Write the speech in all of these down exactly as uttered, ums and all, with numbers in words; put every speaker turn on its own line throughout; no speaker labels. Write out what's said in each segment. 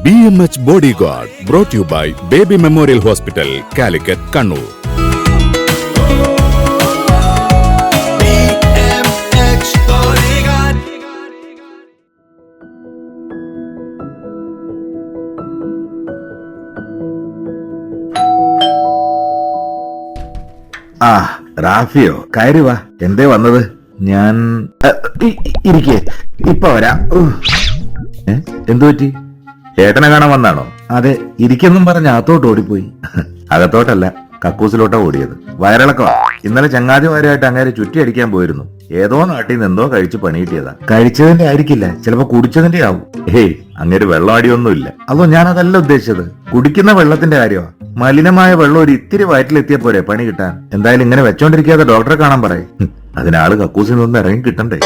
B M H Bodyguard brought to you by Baby Memorial Hospital, Calicut, Kannur.
B M H Bodyguard.
ആ റാഫിയോ കയറി വാ. എന്തേ വന്നത്? ഞാൻ ഇരിക്കേ, ഇപ്പൊ വരാം. എന്തു പറ്റി? ഏട്ടനെ കാണാൻ വന്നാണോ? അതെ, ഇരിക്കെന്നും പറഞ്ഞ അകത്തോട്ട് ഓടിപ്പോയി. അകത്തോട്ടല്ല, കക്കൂസിലോട്ടാ ഓടിയത്. വയറിളക്കമാ. ഇന്നലെ ചങ്ങാതിമാരായിട്ട് അങ്ങേരെ ചുറ്റി അടിക്കാൻ പോയിരുന്നു. ഏതോ നാട്ടിൽ നിന്ന് എന്തോ കഴിച്ച് പണി കിട്ടിയതാ. കഴിച്ചതിന്റെ ആയിരിക്കില്ല, ചിലപ്പോ കുടിച്ചതിന്റെ ആവും. ഹേയ്, അങ്ങേര് വെള്ളം അടിയൊന്നുമില്ല. അതോ ഞാനതല്ല ഉദ്ദേശിച്ചത്. കുടിക്കുന്ന വെള്ളത്തിന്റെ കാര്യമാ. മലിനമായ വെള്ളം ഒരു ഇത്തിരി വയറ്റിലെത്തിയ പോരെ പണി കിട്ടാൻ. എന്തായാലും ഇങ്ങനെ വെച്ചോണ്ടിരിക്കാതെ ഡോക്ടറെ കാണാൻ പറയും. അതിനാള് കക്കൂസിൽ നിന്ന് ഇറങ്ങി കിട്ടണ്ടേ.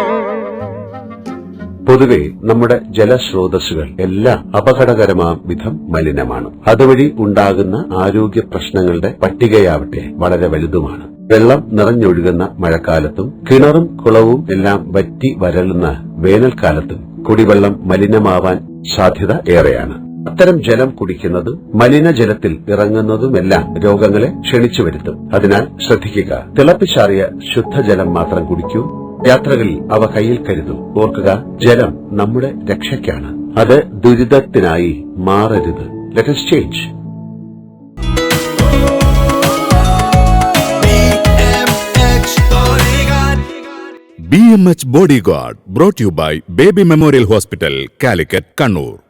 പൊതുവെ നമ്മുടെ ജലസ്രോതസ്സുകൾ എല്ലാം അപകടകരമാം വിധം മലിനമാണ്. അതുവഴി ഉണ്ടാകുന്ന ആരോഗ്യ പ്രശ്നങ്ങളുടെ പട്ടികയാവട്ടെ വളരെ വലുതുമാണ്. വെള്ളം നിറഞ്ഞൊഴുകുന്ന മഴക്കാലത്തും കിണറും കുളവും എല്ലാം വറ്റി വരളുന്ന വേനൽക്കാലത്തും കുടിവെള്ളം മലിനമാവാൻ സാധ്യത ഏറെയാണ്. അത്തരം ജലം കുടിക്കുന്നതും മലിനജലത്തിൽ ഇറങ്ങുന്നതുമെല്ലാം രോഗങ്ങളെ ക്ഷണിച്ചു വരുത്തും. അതിനാൽ ശ്രദ്ധിക്കുക. തിളപ്പിച്ചാറിയ ശുദ്ധജലം മാത്രം കുടിക്കൂ. യാത്രകളിൽ അവ കയ്യിൽ കരുതൂ. ഓർക്കുക, ജലം നമ്മുടെ രക്ഷയ്ക്കാണ്. അത് ദുരിതത്തിനായി മാറരുത്. Let us change.
B M H Bodyguard brought to you by Baby Memorial Hospital, Calicut, Kannur.